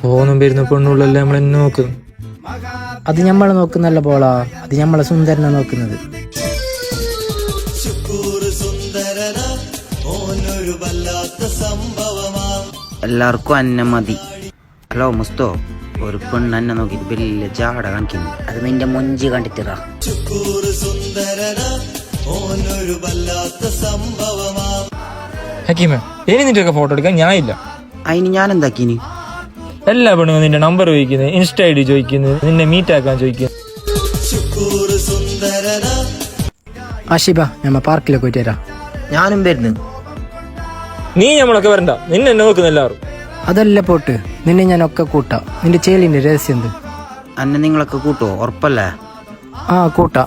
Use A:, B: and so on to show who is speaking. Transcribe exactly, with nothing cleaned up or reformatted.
A: പോന്നും വരുന്ന പെണ്ണുള്ളല്ലേ നമ്മളെന്നെ നോക്കുന്നു.
B: അത് ഞമ്മളെ നോക്കുന്നല്ല പോളാ, അത് ഞമ്മളെ സുന്ദരനെ നോക്കുന്നത്.
C: എല്ലാവർക്കും അന്നെ മതി. ഹലോ മുസ്തോ, ഒരു പെണ്ണ് എന്നെ നോക്കിട്ട് വലിയ ജാട കാണിക്കുന്നു.
D: അത് നിന്റെ മൊഞ്ചി കണ്ടിട്ടാ.
A: ഹക്കീമ, ഇനി നിന്റെ ഒക്കെ ഫോട്ടോ എടുക്കാൻ ഞാൻ ഇല്ല.
C: അതിന് ഞാൻ എന്താക്കിന്?
A: എല്ലാ പെണ്ണുങ്ങളും നിന്റെ നമ്പർ ചോദിക്കുന്നത്, ഇൻസ്റ്റ ഐ ഡി ചോദിക്കുന്നത്, നിന്നെ മീറ്റ് ആക്കാൻ ചോദിക്കുന്നത്.
B: ആഷിബ, ഞമ്മ പാർക്കിലേക്ക് പോയിട്ട് വരാം.
C: ഞാനും വരുന്നു.
A: നീ നമ്മളൊക്കെ വരണ്ട, നിന്നെ എന്നെ നോക്കുന്ന എല്ലാവരും.
B: അതല്ല പോട്ട്, നിന്നെ ഞാൻ ഒക്കെ കൂട്ടാ. നിന്റെ ചേലിന്റെ രഹസ്യം എന്ത്?
C: അന്നെ നിങ്ങളൊക്കെ കൂട്ടോ? ഉറപ്പല്ലേ?
B: ആ കൂട്ടാ.